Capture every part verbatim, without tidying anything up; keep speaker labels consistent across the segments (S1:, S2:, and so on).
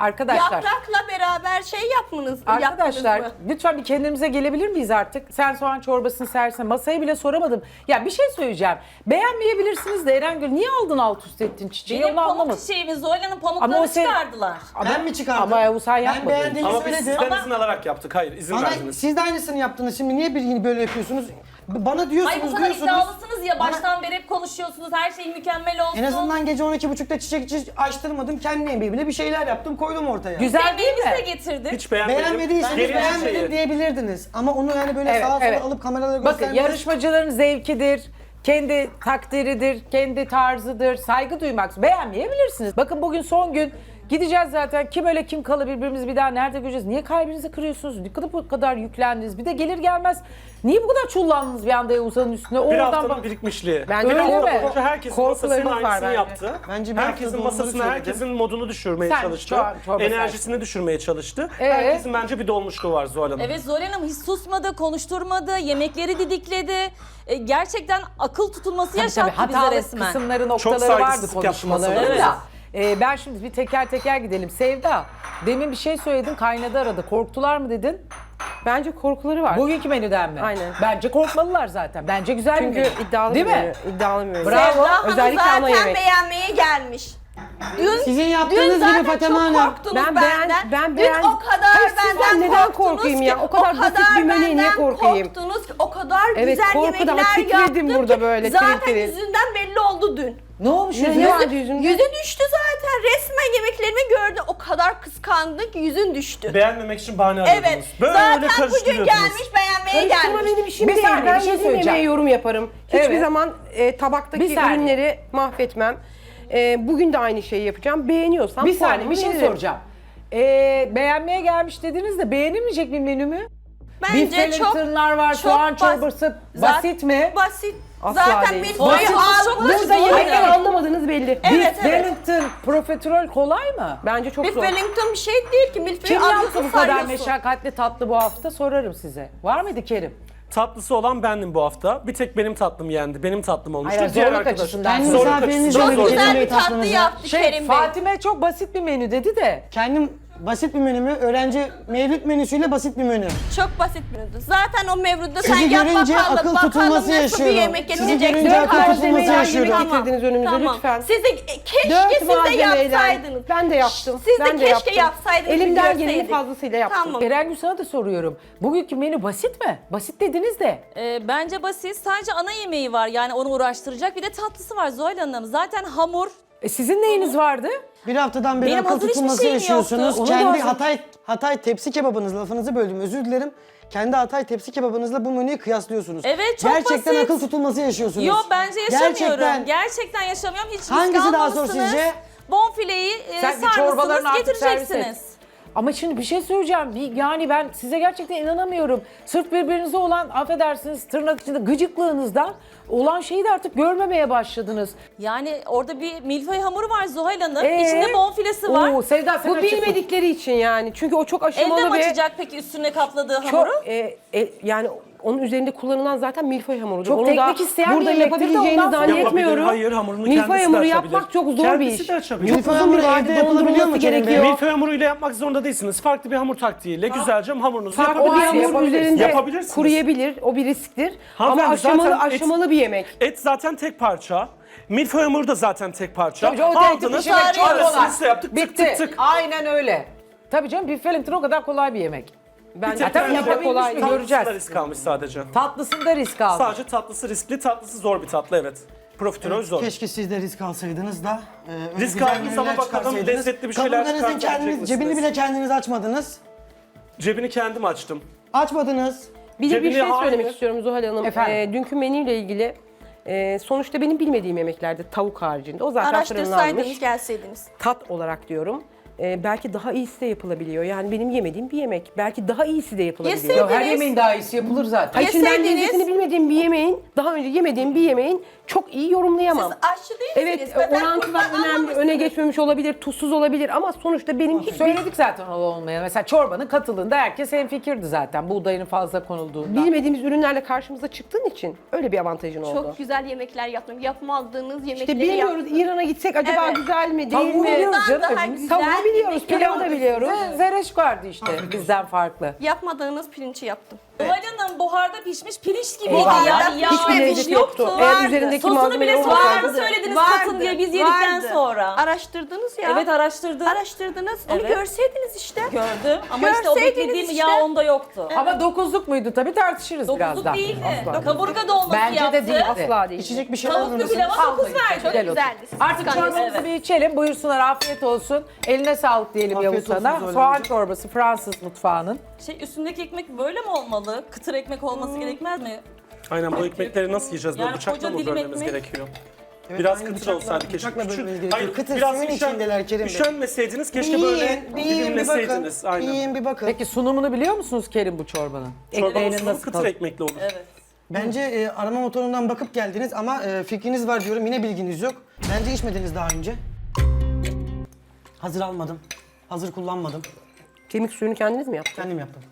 S1: Arkadaşlar.
S2: Yaprakla beraber şey yapmanız,
S1: Arkadaşlar
S2: yaptınız mı?
S1: lütfen bir kendimize gelebilir miyiz artık? Sen soğan çorbasını sersen masayı bile soramadım. Ya bir şey söyleyeceğim. Beğenmeyebilirsiniz de Erengül niye aldın alt üst ettin çiçeği?
S3: Benim
S1: Onu
S3: pamuk
S1: anlamadım.
S3: çiçeğimi Zoyla'nın
S1: Ama
S3: pamuklarını
S1: o sen-
S3: çıkardılar.
S4: Ben mi çıkardım?
S1: Ama Yavuz sen
S4: Ben
S1: yapmadın.
S4: beğendiğimi
S5: Ama biz
S4: söyledim.
S5: sizden
S3: Ama-
S5: izin alarak yaptık. Hayır, izin
S4: Ama
S5: verdiniz.
S4: siz de aynısını yaptınız. Şimdi niye bir böyle yapıyorsunuz? Bana diyorsunuz,
S3: Ay bu kadar
S4: diyorsunuz.
S3: iddialısınız ya,
S4: Bana-
S3: baştan beri hep konuşuyorsunuz, her şey mükemmel olsun.
S4: En azından gece on iki buçukta çiçek çiçek açtırmadım. Kendi emeğimle bir şeyler yaptım, koydum ortaya.
S1: Güzel değil
S3: Sevmeğimizi de
S1: mi?
S3: getirdik.
S5: Hiç beğenmedim.
S4: Beğenmediyseniz
S5: Gelin
S4: beğenmedim
S5: çiçeği.
S4: diyebilirdiniz. Ama onu yani böyle
S1: Evet,
S4: sağa sola
S1: evet.
S4: alıp kameralara
S1: Bakın
S4: göstermek...
S1: yarışmacıların zevkidir. Kendi takdiridir, kendi tarzıdır. Saygı duymak. Beğenmeyebilirsiniz. Bakın bugün son gün. Gideceğiz zaten. Kim öyle kim kalı birbirimizi bir daha nerede göreceğiz? Niye kalbinizi kırıyorsunuz? Ne kadar bu kadar yüklendiniz? Bir de gelir gelmez niye bu kadar çullandınız bir anda Yavuz'un üstüne?
S5: Bir
S1: Oradan
S5: haftanın
S1: bak.
S5: birikmişliği.
S6: Bence
S5: bir
S1: öyle
S5: hafta
S1: mi?
S5: boyunca herkesin masasının
S6: Korkularınız var
S5: aynısını
S6: bence.
S5: yaptı.
S4: Bence bir hafta
S5: herkesin
S4: doğru
S5: masasını,
S4: söyledim.
S5: herkesin modunu düşürmeye
S1: Sen
S5: çalıştı.
S1: çor- çorba
S5: Enerjisini düşürmeye çalıştı.
S1: Ee?
S5: Herkesin bence bir dolmuşluğu var Zuhal Hanım.
S3: Evet, Zoyla Hanım hiç susmadı, konuşturmadı, yemekleri didikledi. E, gerçekten akıl tutulması
S1: Tabii tabii
S3: yaşattı bize
S1: hatalı
S3: resmen.
S1: kısımları noktaları vardı
S5: saygısızlık
S1: konuşmalarında
S5: yapması
S1: da.
S3: lazım.
S1: Ee, ben şimdi bir teker teker gidelim. Sevda, demin bir şey söyledin, kaynadı arada. Korktular mı dedin?
S6: Bence korkuları var.
S1: Bugünkü menüden mi?
S6: Aynen.
S1: Bence korkmalılar zaten. Bence güzel bir
S6: Çünkü
S1: menü.
S6: iddialı
S1: Değil
S6: bir
S1: mi?
S6: menü, iddialı bir menü.
S1: Bravo.
S2: Sevda Hanım
S6: Özellikle ana
S2: zaten
S6: yemek.
S2: beğenmeye gelmiş. Dün,
S4: Sizin
S2: dün
S4: yaptığınız
S2: zaten
S4: gibi Fatema
S2: çok
S4: Hanım.
S2: korktunuz
S6: Ben beğen-
S2: benden.
S6: ben
S2: Dün
S6: beğen-
S2: o kadar
S6: Hayır, sizden
S2: benden
S6: neden
S2: korktunuz
S6: korkayım
S2: ki,
S6: ya? O kadar basit bir menüye niye
S2: benden
S6: korkayım?
S2: korktunuz ki, o kadar
S6: Evet,
S2: güzel
S6: korkudan
S2: yemekler
S6: titredim
S2: yaptım
S6: burada
S2: ki,
S6: böyle,
S2: zaten
S6: tiril tiril.
S2: yüzünden belli oldu dün.
S1: Ne olmuş
S6: Ne-
S1: yüzüne?
S6: ne vardı yüzünde?
S2: Yüzü düştü zaten. Resmen yemeklerimi gördü. O kadar kıskandın ki yüzün düştü.
S5: Beğenmemek için bahane arıyordunuz.
S2: Evet.
S5: Böyle
S2: zaten bugün
S5: karıştırıyordunuz.
S2: gelmiş beğenmeye
S6: Karıştırma
S2: gelmiş.
S6: benim işim
S1: Bir
S6: değil.
S1: saniye,
S6: Ben
S1: bir şey
S6: yediğim
S1: söyleyeceğim.
S6: yemeğe yorum yaparım. Hiçbir
S1: Evet.
S6: zaman e, tabaktaki
S1: Bir saniye.
S6: ürünleri mahvetmem. E, bugün de aynı şeyi yapacağım. Beğeniyorsam
S1: Bir saniye
S6: puanımı
S1: bir şey
S6: veririm.
S1: soracağım. Ee, beğenmeye gelmiş dediniz de beğenilmeyecek bir menü mü? Beef
S2: Bence çok
S1: Wellington'lar var,
S2: çok
S1: soğan
S2: bas-
S1: çorbası.
S2: Zaten-
S1: Basit mi?
S2: basit.
S6: Asla
S2: zaten
S6: değil.
S2: milföyü
S3: Basit, çok
S2: almış.
S3: basit.
S6: Burada yemekleri
S3: Aynen.
S6: anlamadığınız belli.
S2: Evet,
S1: Beef
S2: evet.
S1: Wellington profiterol kolay mı?
S6: Bence çok
S2: Beef
S6: zor.
S2: Wellington bir şey değil ki. Milföyü
S1: Kim yaptı
S2: alıyorsun,
S1: bu kadar
S2: sarıyorsun.
S1: meşakkatli tatlı bu hafta sorarım size. Var mıydı Kerim?
S5: Tatlısı olan bendim bu hafta. Bir tek benim tatlım yendi. Benim tatlım olmuştu.
S1: Hayır,
S5: Diğer
S1: zorluk
S5: arkadaş-
S1: açısından.
S4: Kendi
S5: Zorluk
S4: misafiriniz
S5: açısından
S4: olur,
S2: Çok
S5: zor.
S4: Kerim
S2: güzel
S4: Bey
S2: bir tatlı
S4: tatlınıza.
S2: yaptı
S1: Şey,
S2: Kerim Bey.
S1: Fatime çok basit bir menü dedi de.
S4: Kendim basit bir menümü, öğrenci mevlüt menüsüyle basit bir menü.
S2: Çok basit menüdü. Zaten o mevruda sen
S4: Sizi
S2: yap
S4: görünce
S2: bakalım.
S4: akıl
S2: bakalım
S4: tutulması
S2: nasıl bir
S4: yaşıyorum.
S2: yemek
S4: Sizi
S2: yenilecek.
S4: görünce
S2: Dört
S4: akıl
S2: malzemeyle
S4: tutulması
S2: yemek-
S4: yaşıyorum.
S6: Getirdiniz önümüze
S2: tamam.
S6: lütfen.
S2: Siz de e, keşke
S6: Dört
S2: siz de
S6: malzemeyle.
S2: yapsaydınız.
S6: Ben de yaptım.
S2: Siz de
S6: ben de
S2: keşke
S6: yaptım.
S2: yapsaydınız,
S6: Elimden
S2: bir
S6: geleni
S2: görseydik.
S6: fazlasıyla yaptım.
S2: Tamam.
S1: Erengül sana da soruyorum. Bugünkü menü basit mi? Basit dediniz de.
S3: E, bence basit, sadece ana yemeği var, yani onu uğraştıracak, bir de tatlısı var Zoyla Hanım. Zaten hamur.
S1: E, sizin neyiniz vardı?
S4: Bir haftadan beri
S3: Benim
S4: akıl
S3: hazır hiçbir
S4: tutulması
S3: şeyim
S4: yaşıyorsunuz.
S3: yoktu.
S1: Onu da
S4: Kendi
S1: hazır-
S4: Hatay Hatay tepsi kebabınız, lafınızı böldüm özür dilerim. Kendi Hatay tepsi kebabınızla bu menüyü kıyaslıyorsunuz.
S3: Evet, çok
S4: Gerçekten
S3: basit.
S4: akıl tutulması yaşıyorsunuz.
S3: Yok, bence yaşamıyorum.
S4: Gerçekten.
S3: Gerçekten, yaşamıyorum. Hiç risk
S4: Hangisi daha zor
S3: almamışsınız.
S4: sizce?
S3: Bonfileyi e,
S1: Sen bir çorbaların
S3: sarmışsınız,
S1: artık servis et.
S3: getireceksiniz.
S1: Ama şimdi bir şey söyleyeceğim. Bir- Yani ben size gerçekten inanamıyorum. Sırf birbirinize olan, affedersiniz tırnak içinde gıcıklığınızdan olan şeyi de artık görmemeye başladınız.
S3: Yani orada bir milföy hamuru var Zuhal Hanım.
S1: Ee?
S3: İçinde bonfilesi var.
S1: Oo, Sevda sen
S6: Bu
S1: açıkla.
S6: bilmedikleri için yani. Çünkü o çok aşamalı
S3: Elde mi
S6: ve
S3: açacak peki üstüne kapladığı
S6: çok
S3: hamuru?
S6: e, e, yani onun üzerinde kullanılan zaten milföy hamurudur.
S1: Çok
S6: Onu
S1: teknik
S6: da
S1: isteyen bir
S6: burada
S1: yemektir de
S6: yapabileceğinizi
S1: ondan sonra-
S6: zannetmiyorum.
S5: Yapabilir, hayır, hamurunu
S6: Milföy
S5: kendisi de
S6: hamuru
S5: açabilir.
S6: yapmak çok zor
S5: Kendisi
S6: bir iş.
S5: de açabilir.
S6: Çok
S4: Milföy
S6: uzun
S4: hamuru
S6: bir vade
S4: evde yapılabiliyor
S6: dondurulması
S4: mu Kerim Bey?
S6: gerekiyor.
S5: Milföy hamuruyla yapmak zorunda değilsiniz. Farklı bir hamur taktiğiyle güzelce hamurunuzu
S6: Farklı bir
S5: yapabilirsiniz.
S6: hamur
S1: yapabilirsiniz.
S6: üzerinde
S5: Yapabilirsiniz.
S6: kuruyabilir. O bir risktir. Ama
S5: Hanımefendi,
S6: aşamalı
S5: zaten et-
S6: aşamalı bir yemek.
S5: Et zaten tek parça. Milföy hamuru da zaten tek parça.
S1: Tabii canım, o tek
S5: Aldınız,
S1: pişirmek çok kolay.
S5: arasını size yaptık, tık
S1: Bitti.
S5: tık tık.
S1: Aynen öyle. Tabii canım Beef Wellington o kadar kolay bir yemek.
S6: Bence
S1: Ha, tabii
S5: Bence
S1: yapabilmiş
S6: kolay
S1: mi?
S6: değil.
S1: Göreceğiz.
S5: Tatlısı da risk almış sadece.
S1: Tatlısında risk aldı.
S5: Sadece tatlısı riskli, tatlısı zor bir tatlı, evet. Profiterol zor.
S4: Keşke siz de risk alsaydınız da. e, öyle
S5: Risk
S4: güzel
S5: aldınız
S4: menüler
S5: ama bakalım
S4: çıkarsaydınız.
S5: lezzetli bir şeyler
S4: Kabuklarınızın
S5: çıkartabilecek
S4: kendiniz,
S5: misiniz?
S4: cebini bile kendiniz açmadınız.
S5: Cebini kendim açtım.
S4: Açmadınız.
S6: Bir de bir
S5: Cebine
S6: şey
S5: hayır.
S6: söylemek istiyorum Zuhal Hanım.
S1: Efendim?
S6: Ee, dünkü menüyle ilgili e, sonuçta benim bilmediğim yemeklerde tavuk haricinde. O zaten fırından
S2: Araştırsaydınız,
S6: almış.
S2: gelseydiniz.
S6: Tat olarak diyorum. Ee, belki daha iyisi de yapılabiliyor. Yani benim yemediğim bir yemek. Belki daha iyisi de yapılabiliyor.
S2: Yeseydiniz.
S1: Yok, her yemeğin daha iyisi yapılır zaten.
S6: Ay şimdi ben
S2: Yeseydiniz-
S6: lezzetini bilmediğim bir yemeğin, daha önce yemediğim bir yemeğin çok iyi yorumlayamam.
S2: Siz aşçı değilsiniz.
S6: Evet,
S2: Beden
S6: orantılar
S2: kurban
S6: önemli, öne
S2: almamışsınız.
S6: geçmemiş olabilir, tuzsuz olabilir ama sonuçta benim hiçbir...
S1: Söyledik zaten o olmaya. Mesela çorbanın katılığında herkes hemfikirdi zaten. Buğdayın fazla konulduğunda.
S6: Bilmediğimiz ürünlerle karşımıza çıktığın için öyle bir avantajın oldu.
S2: Çok güzel yemekler yaptım. Yapmadığınız yemekleri
S6: İşte bilmiyoruz,
S2: yaptım.
S6: İran'a gitsek acaba
S2: Evet.
S6: güzel mi, değil
S1: Tavuğu
S6: mi?
S1: biliyoruz
S2: Bundan
S1: canım.
S2: daha
S1: hepimiz.
S2: güzel.
S6: Tavuğu biliyoruz, pilavı da biliyoruz.
S1: Z- Zereş vardı işte bizden farklı.
S2: Yapmadığınız pirinci yaptım.
S3: Zuhal Hanım buharda pişmiş pirinç gibiydi.
S1: Eyvah.
S3: Yani yağ
S6: Hiçbir
S3: tuz
S6: lezzet yoktu. Eğer
S2: Vardı.
S6: üzerindeki
S3: Sosunu
S6: malzeme
S3: bile sonradan
S6: olmasaydı.
S3: söylediniz katın diye biz yedikten
S2: vardı.
S3: sonra.
S2: Araştırdınız ya.
S3: Evet araştırdım.
S2: Araştırdınız. Onu
S3: Evet.
S2: görseydiniz işte.
S3: Gördüm ama işte o
S2: Görseydiniz
S3: beklediğim
S2: işte.
S3: yağ onda yoktu.
S1: Ama dokuzluk muydu tabii tartışırız birazdan.
S3: Dokuzluk değildi.
S1: Asla.
S3: Kaburga dolması
S1: Bence de
S3: yaptı.
S1: değildi.
S6: Asla değil.
S4: İçecek bir şey alır
S3: Tavuklu
S4: mısınız?
S3: pilava dokuz verdi.
S2: Çok
S1: Gel otur.
S2: güzeldi. Siz
S1: Artık
S2: kıskanıyorsunuz.
S1: çorbamızı
S3: Evet.
S1: bir içelim. Buyursunlar, afiyet olsun. Eline sağlık diyelim
S4: Afiyet
S1: Yavuz
S4: olsun
S1: sana.
S4: Zuhal
S1: Soğan
S4: Hanımcığım.
S1: çorbası Fransız mutfağının.
S3: Şey üstündeki ekmek böyle mi olmalı? Kıtır ekmek olması gerekmez mi?
S5: Aynen bu ekmekleri nasıl yiyeceğiz? Böyle
S3: Yani
S5: bıçakla
S3: koca
S5: mı
S3: dilim
S5: bölmemiz
S3: ekmek.
S5: gerekiyor?
S4: Evet,
S5: Biraz
S4: aynı
S5: kıtır
S4: bıçakla-
S5: olsaydı keşke.
S4: bıçakla
S5: Küçük-
S4: bölmeniz gerekiyor.
S5: Hayır,
S4: Kıtır
S5: biraz
S4: suyun
S5: üşen-
S4: içindeler Kerim Bey.
S5: Üşenmeseydiniz
S4: Bir
S5: keşke böyle
S4: yiyin, bir yiyin bir bakın.
S5: dilimleseydiniz.
S4: Bir
S5: Aynen.
S4: yiyin bir bakın.
S1: Peki sunumunu biliyor musunuz Kerim bu çorbanın?
S5: Çorbanın
S1: Ekmeğinin
S5: sunumu
S1: nasıl
S5: kıtır
S1: tadı?
S5: ekmekli olur.
S3: Evet.
S4: Bence e, arama motorundan bakıp geldiniz ama e, fikriniz var diyorum, yine bilginiz yok. Bence içmediniz daha önce. Hazır almadım. Hazır kullanmadım.
S6: Kemik suyunu kendiniz mi yaptınız?
S4: Kendim yaptım.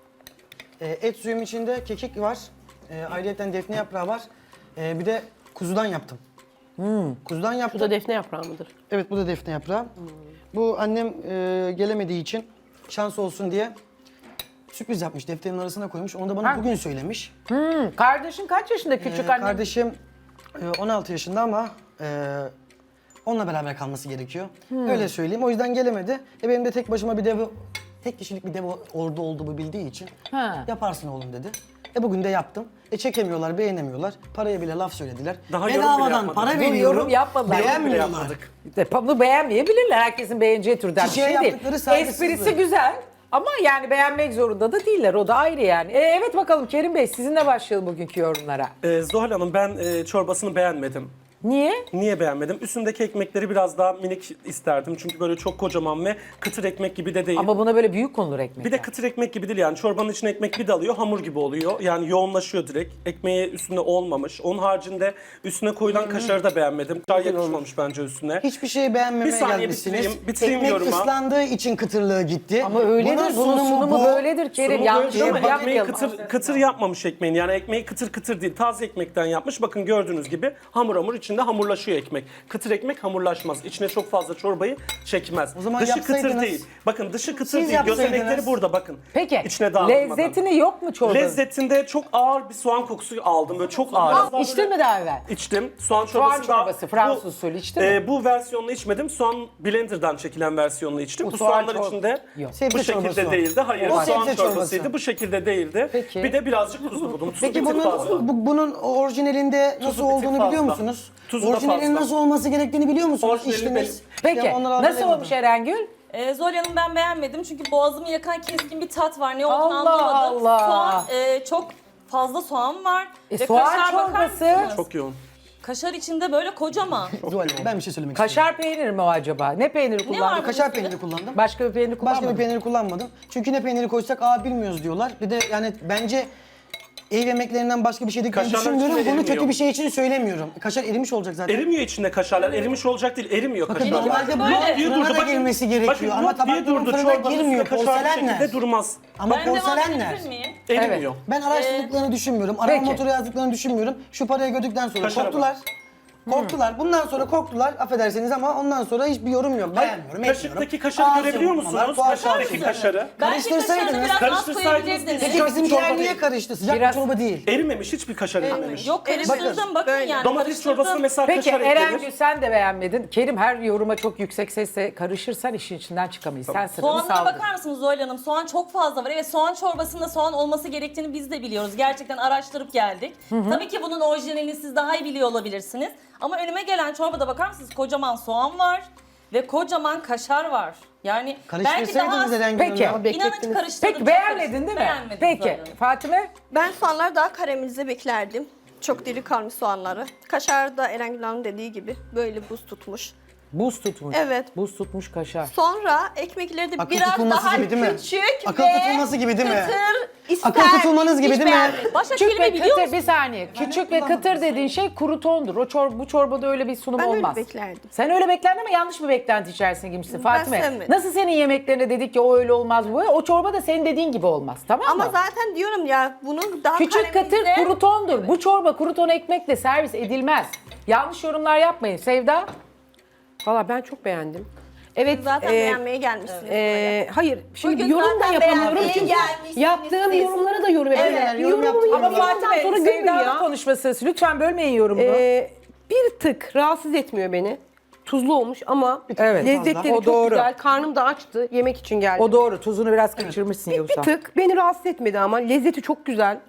S4: E, et suyum içinde kekik var. E, ayrıyeten defne yaprağı var. E, bir de kuzudan yaptım. Kuzudan
S6: Bu
S4: yaptım.
S6: da defne yaprağı mıdır?
S4: Evet, bu da defne yaprağı. Bu annem e, gelemediği için şans olsun diye sürpriz yapmış. Defterin arasına koymuş. Onu da bana
S1: Ha.
S4: bugün söylemiş.
S1: Hmm, kardeşin kaç yaşında küçük
S4: Ee,
S1: annem?
S4: Kardeşim e, on altı yaşında ama e, onunla beraber kalması gerekiyor. Öyle söyleyeyim. O yüzden gelemedi. E benim de tek başıma bir dev, tek kişilik bir dev ordu olduğumu bildiği için
S1: Ha.
S4: yaparsın oğlum dedi. E bugün de yaptım. E çekemiyorlar, beğenemiyorlar. Paraya bile laf söylediler.
S5: Daha yorum bile
S4: Bedavadan
S5: yapmadık.
S4: para
S1: Dur,
S4: veriyorum.
S1: yorum yapmadılar.
S4: Beğenmiyorlar.
S5: Yapmadık.
S1: De, bunu beğenmeyebilirler. Herkesin beğeneceği türden bir
S4: Çiçeğe
S1: şey değil.
S4: yaptıkları saygısızlık.
S1: Esprisi güzel ama yani beğenmek zorunda da değiller. O da ayrı yani. E, evet bakalım Kerim Bey sizinle başlayalım bugünkü yorumlara.
S5: Ee, Zuhal Hanım ben e, çorbasını beğenmedim.
S1: Niye?
S5: Niye beğenmedim? Üstündeki ekmekleri biraz daha minik isterdim. Çünkü böyle çok kocaman ve kıtır ekmek gibi de değil.
S1: Ama buna böyle büyük konulur ekmek.
S5: Bir de kıtır ekmek gibi değil yani çorbanın içine ekmek bir dalıyor hamur gibi oluyor. Yani yoğunlaşıyor direkt. Ekmeği üstüne olmamış. Onun haricinde üstüne koyulan kaşarı da beğenmedim. Kaşar yakışmamış bence üstüne.
S4: Hiçbir şeyi beğenmemeye
S5: Bir saniye
S4: gelmişsiniz.
S5: bitireyim, bitireyim
S4: Ekmek
S5: yoruma.
S4: ıslandığı için kıtırlığı gitti.
S1: Ama öyledir. Bunun sunumu,
S4: bu.
S1: böyledir Kerim.
S5: Sunumu
S1: Yanlış
S5: böyle ama
S1: yorum
S5: ekmeği
S1: yapmayalım.
S5: kıtır, kıtır yapmamış ekmeğin. Yani ekmeği kıtır kıtır değil. Taze ekmekten yapmış. Bakın gördüğünüz gibi hamur hamur içinde hamurlaşıyor ekmek. Kıtır ekmek hamurlaşmaz. İçine çok fazla çorbayı çekmez.
S4: O zaman
S5: dışı kıtır
S4: yapsaydınız.
S5: değil. Bakın dışı kıtır
S4: Siz
S5: değil. Gözenekleri
S4: yapsaydınız.
S5: burada bakın.
S1: Peki
S5: İçine dağılmadan.
S1: lezzetini yok mu çorbanın?
S5: Lezzetinde çok ağır bir soğan kokusu aldım. Böyle çok ağır.
S1: İçtin mi daha evvel?
S5: İçtim. Soğan çorbası
S1: Soğan
S5: da-
S1: çorbası, Fransız
S5: bu-
S1: usulü içtin mi?
S5: e, Bu versiyonunu içmedim. Soğan blenderdan çekilen versiyonunu içtim.
S1: Bu
S5: Bu,
S1: soğan
S5: soğanlar
S1: çor-
S5: içinde
S1: Yok.
S4: Sebze
S5: bu şekilde
S4: çorbası o.
S5: değildi. Hayır,
S4: O
S5: soğan
S4: sebze
S5: çorbasıydı.
S4: çorbası.
S5: Bu şekilde değildi.
S1: Peki.
S5: Bir de birazcık tuzlu buldum. Tuzu
S4: Peki
S5: bir tık
S4: bunun
S5: fazla.
S4: bu- bunun orijinalinde nasıl
S5: Tuzu bir tık
S4: olduğunu
S5: fazla.
S4: biliyor musunuz?
S5: Tuzu da
S4: Orijinalinin
S5: fazla.
S4: nasıl olması gerektiğini biliyor musunuz?
S5: Orijinali
S4: İçtiniz.
S1: Peki
S4: Ya onları
S1: nasıl
S4: hatırlayamadım.
S1: olmuş Erengül?
S3: Ee, Zuhal Hanım ben beğenmedim çünkü boğazımı yakan keskin bir tat var. Ne olduğunu
S1: Allah
S3: anlamadım.
S1: Allah.
S3: Soğan e, çok fazla soğan var.
S1: E,
S3: Ve
S1: soğan
S3: kaşar bakar
S1: çorbası.
S3: mısınız?
S5: Çok yoğun.
S3: Kaşar içinde böyle kocaman.
S4: Zuhal Hanım, ben bir şey söylemek istiyorum.
S1: Kaşar peyniri mi o acaba? Ne peyniri kullandın?
S3: var
S4: Kaşar
S3: üstünde?
S4: peyniri kullandım.
S1: Başka bir peynir kullanmadın.
S4: Başka bir peyniri kullanmadım. Çünkü ne peyniri koysak aa bilmiyoruz diyorlar. Bir de yani bence ev yemeklerinden başka bir şey dediklerini
S5: Kaşarlar
S4: düşünmüyorum.
S5: içinde
S4: Bunu kötü
S5: erimiyor.
S4: bir şey için söylemiyorum. Kaşar erimiş olacak zaten.
S5: Erimiyor içinde kaşarlar. Erimiş olacak değil. Erimiyor
S4: Bakın
S5: kaşarlar.
S4: normalde bu
S3: Böyle.
S5: Diye
S4: fırına
S5: durdu.
S4: da
S5: Bakın-
S4: girmesi gerekiyor.
S5: bakın
S4: Ama
S5: yok diye
S4: tabakların
S5: durdu.
S4: fırına
S5: Çorbanın
S4: girmiyor.
S5: üstünde kaşar bir
S4: Porselenler.
S5: şekilde durmaz.
S4: Ama
S3: Ben devam
S4: porselenler.
S3: edebilir miyim?
S5: Erimiyor.
S4: Ben araştırdıklarını düşünmüyorum. Arama
S1: Peki.
S4: motoru yazdıklarını düşünmüyorum. Şu parayı gördükten sonra
S5: Kaşara
S4: korktular. Korktular. Bundan sonra korktular. Affedersiniz ama ondan sonra hiçbir yorum yok. Beğenmiyorum, etmiyorum.
S5: Kaşıktaki kaşarı
S4: Ağzı
S5: görebiliyor
S4: yumurtmalar,
S5: musunuz?
S4: tuhaf tuhaf
S5: Kaşıktaki
S4: şeyler.
S5: kaşarı.
S3: Belki
S4: Karıştırsaydınız-
S3: kaşarını biraz az
S5: Karıştırsaydınız
S3: koyabilirdiniz.
S5: biz-
S4: Peki
S5: Çok
S4: bizimkiler
S5: çorba
S4: niye
S5: değil.
S4: karıştı? Sıcak
S1: Biraz-
S4: bir çorba değil.
S5: Erimemiş. Hiçbir kaşar erimemiş.
S3: Yok karıştırdım bakın
S2: Böyle.
S3: yani
S5: Domates
S3: karıştırdım.
S5: çorbasına mesela
S1: Peki
S5: kaşar
S1: Erengül
S5: eklenir.
S1: sen de beğenmedin. Kerim her yoruma çok yüksek sesle karışırsan işin içinden çıkamayız. Sen sırrını
S3: Soğanlara
S1: saldır.
S3: bakar mısınız Zuhal Hanım? Soğan çok fazla var. Evet soğan çorbasında soğan olması gerektiğini biz de biliyoruz. Gerçekten araştırıp geldik. Tabii ki bunun orijinalini siz daha iyi biliyor olabilirsiniz. Ama önüme gelen çorbada bakar mısınız? Kocaman soğan var ve kocaman kaşar var. Yani belki daha
S4: Karıştırsaydınız
S3: az...
S4: Eren
S1: Peki.
S4: Gül'ün ya.
S3: İnanın
S6: Beklettiniz.
S3: karıştırdım.
S1: Peki
S3: çok
S1: beğenmedin
S3: karıştırdım.
S1: değil mi?
S3: Beğenmedim
S1: Peki
S3: Zuhal Hanım.
S1: Fatime?
S2: Ben soğanları daha karamelize beklerdim. Çok diri kalmış soğanları. Kaşar da Erengül Hanım dediği gibi böyle buz tutmuş.
S1: Buz tutmuş.
S2: Evet.
S1: Buz tutmuş kaşar.
S2: Sonra ekmekleri de
S4: Akıl
S2: biraz
S4: tutulması
S2: daha
S4: gibi değil mi?
S2: küçük
S4: Akıl
S2: ve
S4: tutulması gibi değil mi?
S2: kıtır ister.
S4: Akıl tutulmanız gibi
S2: Hiç
S4: değil mi?
S2: beğenmedim.
S3: Başka
S1: Küçük
S3: kelime
S1: ve
S3: biliyor
S1: kıtır
S3: musun?
S1: bir saniye. Küçük ve kıtır dediğin şey krutondur. O çor bu çorbada öyle bir sunum
S2: Ben öyle
S1: olmaz.
S2: beklerdim.
S1: Sen öyle beklerdin ama yanlış bir beklenti içerisine girmişsin Fatime.
S2: sevmedim.
S1: Nasıl senin yemeklerine dedik ki o öyle olmaz bu böyle. O çorba da senin dediğin gibi olmaz. Tamam
S2: Ama
S1: mı?
S2: zaten diyorum ya bunun daha
S1: Küçük katır
S2: karamelize-
S1: krutondur. Bu çorba kruton ekmekle servis edilmez. Yanlış yorumlar yapmayın. Sevda?
S6: Valla ben çok beğendim. Evet,
S2: Zaten
S6: e,
S2: beğenmeye gelmişsiniz buraya.
S6: e, hayır, şimdi
S2: Bugün
S6: yorum da
S2: zaten
S6: yapamıyorum
S2: beğenmeye
S6: çünkü
S2: gelmişsiniz
S6: yaptığım
S2: siz.
S6: yorumlara da yorum yapıyorum.
S4: Evet, yorum
S6: Yorumumu
S4: yaptım.
S1: Ama
S6: yaptıktan
S1: Fatih Bey,
S6: sonra gülmüyor
S1: Sevda'nın
S6: ya.
S1: konuşma sırası. Lütfen bölmeyin yorumunu.
S6: Ee, bir tık rahatsız etmiyor beni. Tuzlu olmuş ama
S1: Evet,
S6: lezzetleri
S1: o
S6: çok
S1: doğru.
S6: güzel. Karnım da açtı. Yemek için geldim.
S1: O doğru. Tuzunu biraz kaçırmışsın
S6: bir,
S1: Yavuzhan.
S6: bir tık beni rahatsız etmedi ama lezzeti çok güzel.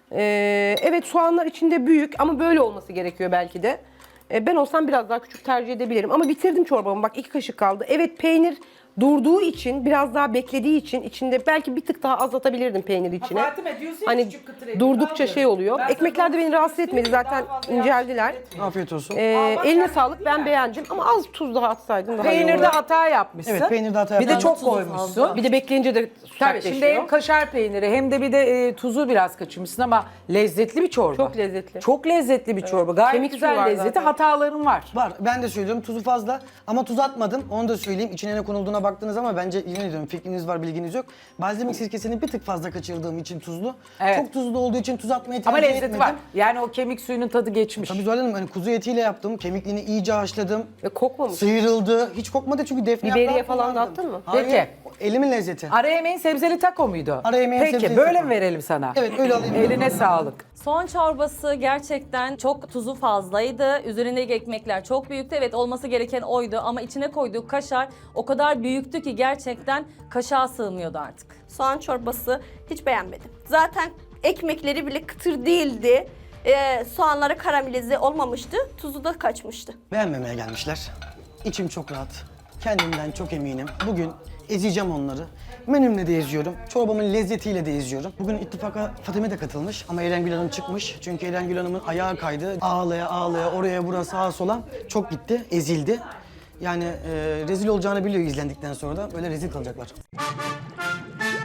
S6: Ee, evet, soğanlar içinde büyük ama böyle olması gerekiyor belki de. Ee, ben olsam biraz daha küçük tercih edebilirim ama bitirdim çorbamı. Bak iki kaşık kaldı. Evet, peynir durduğu için, biraz daha beklediği için içinde belki bir tık daha azaltabilirdim peyniri içine.
S1: Fatime diyorsun ya,
S6: Hani
S1: küçük kıtır ediyor.
S6: durdukça
S1: Ne
S6: şey
S1: yapıyorum?
S6: oluyor.
S1: Ben
S6: Ekmekler de
S1: sana
S6: beni rahatsız
S1: söyleyeyim,
S6: etmedi
S1: daha
S6: zaten,
S1: fazla
S6: inceldiler.
S4: Afiyet olsun.
S6: Ee,
S1: bak
S6: eline
S1: sen
S6: sağlık, ben
S1: yani.
S6: beğendim ama az tuz daha atsaydın daha iyi
S1: Peynirde
S6: olurdu.
S1: hata yapmışsın.
S4: Evet, peynirde hata
S1: Bir de
S4: yaptım.
S1: çok koymuşsun.
S6: Bir de bekleyince de
S1: Tabii
S6: sertleşiyor.
S1: şimdi hem kaşar peyniri hem de bir de e, tuzu biraz kaçırmışsın ama lezzetli bir çorba.
S6: Çok lezzetli.
S1: Çok lezzetli bir çorba. Gayet
S6: Kemik
S1: güzel
S6: suyu var
S1: lezzeti.
S6: zaten.
S1: Hataların var.
S4: Var. Ben de söylüyorum tuzu fazla ama tuz atmadım. Onu da söyleyeyim. İçine ne konulduğuna baktınız ama bence yine diyorum fikriniz var, bilginiz yok. Balzamik sirkesini bir tık fazla kaçırdığım için tuzlu.
S1: Evet.
S4: Çok tuzlu olduğu için tuz atmayı
S1: Ama
S4: tercih
S1: lezzeti
S4: etmedim.
S1: var. Yani o kemik suyunun tadı geçmiş.
S4: Tabii Zuhal Hanım, hani kuzu etiyle yaptım. Kemikliğini iyice haşladım.
S6: Ve kokmamış.
S4: Sıyrıldı. Hiç kokmadı çünkü defne
S6: Biberiye
S4: yaprağı
S6: falan da
S4: kullandım.
S6: attın mı?
S4: Hayır.
S1: Peki.
S4: Elimin lezzeti.
S1: Ara yemeğin sebzeli taco muydu?
S4: Ara yemeğin
S1: Peki
S4: sebzeli
S1: böyle
S4: taco.
S1: mi verelim sana?
S4: Evet, öyle alayım.
S1: Eline sağlık.
S3: Soğan çorbası gerçekten çok tuzu fazlaydı. Üzerindeki ekmekler çok büyüktü. Evet, olması gereken oydu ama içine koyduğu kaşar o kadar büyüktü ki gerçekten kaşığa sığmıyordu artık.
S2: Soğan çorbası hiç beğenmedim. Zaten ekmekleri bile kıtır değildi. Ee, soğanları karamelize olmamıştı. Tuzu da kaçmıştı.
S4: Beğenmemeye gelmişler. İçim çok rahat. Kendimden çok eminim. Bugün ezeceğim onları. Menümle de eziyorum. Çorbamın lezzetiyle de eziyorum. Bugün ittifaka Fatime de katılmış ama Erengül Hanım çıkmış. Çünkü Erengül Hanım'ın ayağı kaydı. Ağlaya ağlaya oraya buraya sağa sola çok gitti, ezildi. Yani e, rezil olacağını biliyor izlendikten sonra da böyle rezil kalacaklar.